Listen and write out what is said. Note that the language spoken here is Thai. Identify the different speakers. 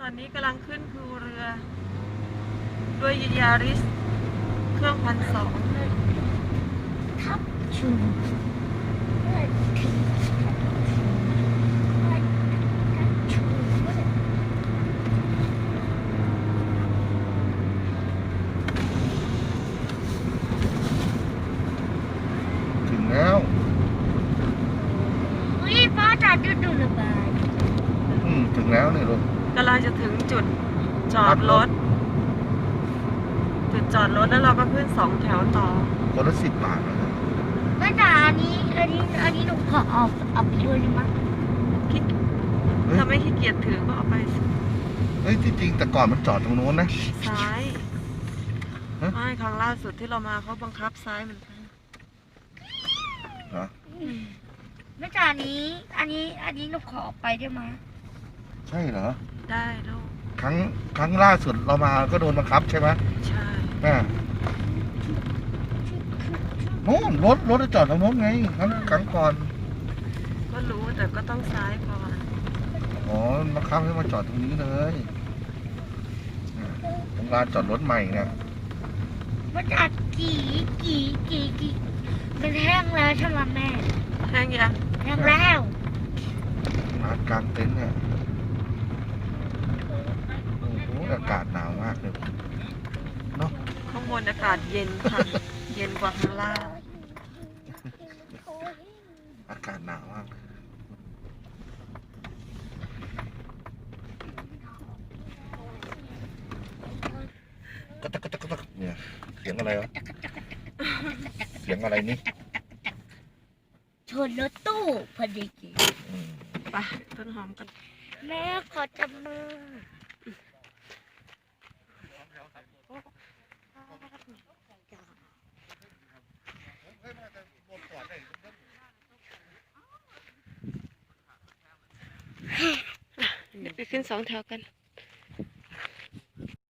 Speaker 1: อนนี้กำลังขึ้นภูเรือด้วยยาริสเครื่อง1,200
Speaker 2: ทับชู
Speaker 3: ถึงแล้ว
Speaker 2: อุ้ยพ่อจ๋าดูระบาย
Speaker 3: ถึงแล้วเนี่ยลูก
Speaker 1: กำลังจะถึงจุดจอดรถ จุดจอดรถแล้วเราก็ขึ้น2 แถวต่อ
Speaker 3: คนละ10 บาทนะครับ
Speaker 2: แม่จ๋าอันนี้หนูขอเอาไปด้วยได้ไหม
Speaker 1: คิดถ้าไม่ขี้เกียจถือก็เอาไป
Speaker 3: เฮ้ยที่จริงแต่ก่อนมันจอดตรงโน้นนะ
Speaker 1: ซ้าย
Speaker 3: ฮะ
Speaker 1: ไม่ครั้งล่าสุดที่เรามาเขาบังคับซ้ายเหมือนกัน
Speaker 3: เหรอ
Speaker 2: แม่จ๋าอันนี้หนูขอเอาไปได้ไหม
Speaker 3: ใช่เหรอ
Speaker 1: ได้ลูก
Speaker 3: ครั้งล่าสุดเรามาก็โดนบังคับใช่ไหม
Speaker 1: ใช่
Speaker 3: โน้นรถจอดตรงโน้นไงครั้งก่อน
Speaker 1: ก็รู้แต่ก็ต้องซ้ายก่อน
Speaker 3: อ๋อบังคับให้มาจอดตรงนี้เลยตรงลานจอดรถใหม่เนี่ย
Speaker 2: แม่จ๋ามันแห้งแล้วใช่ไหมแม่
Speaker 1: แห้งยัง
Speaker 2: แห้งแล้ว
Speaker 3: ลานกลางเต็นท์เนี่ยโอ้โหอากาศหนาวมากเลยเนาะ
Speaker 1: ข้างบนอากาศเย็นค่ะ เย็นกว่าข้างล่าง
Speaker 3: อากาศหนาวมากกระตักกระตักกระตักเนี่ยเสียงอะไรวะเสียงอะไรนี่
Speaker 2: ชนรถตู้พอดี
Speaker 3: อืม
Speaker 1: ไปต้นหอมกัน
Speaker 2: แม่ขอจับมือ
Speaker 1: เดี๋ยวไปขึ้น2 แถวกัน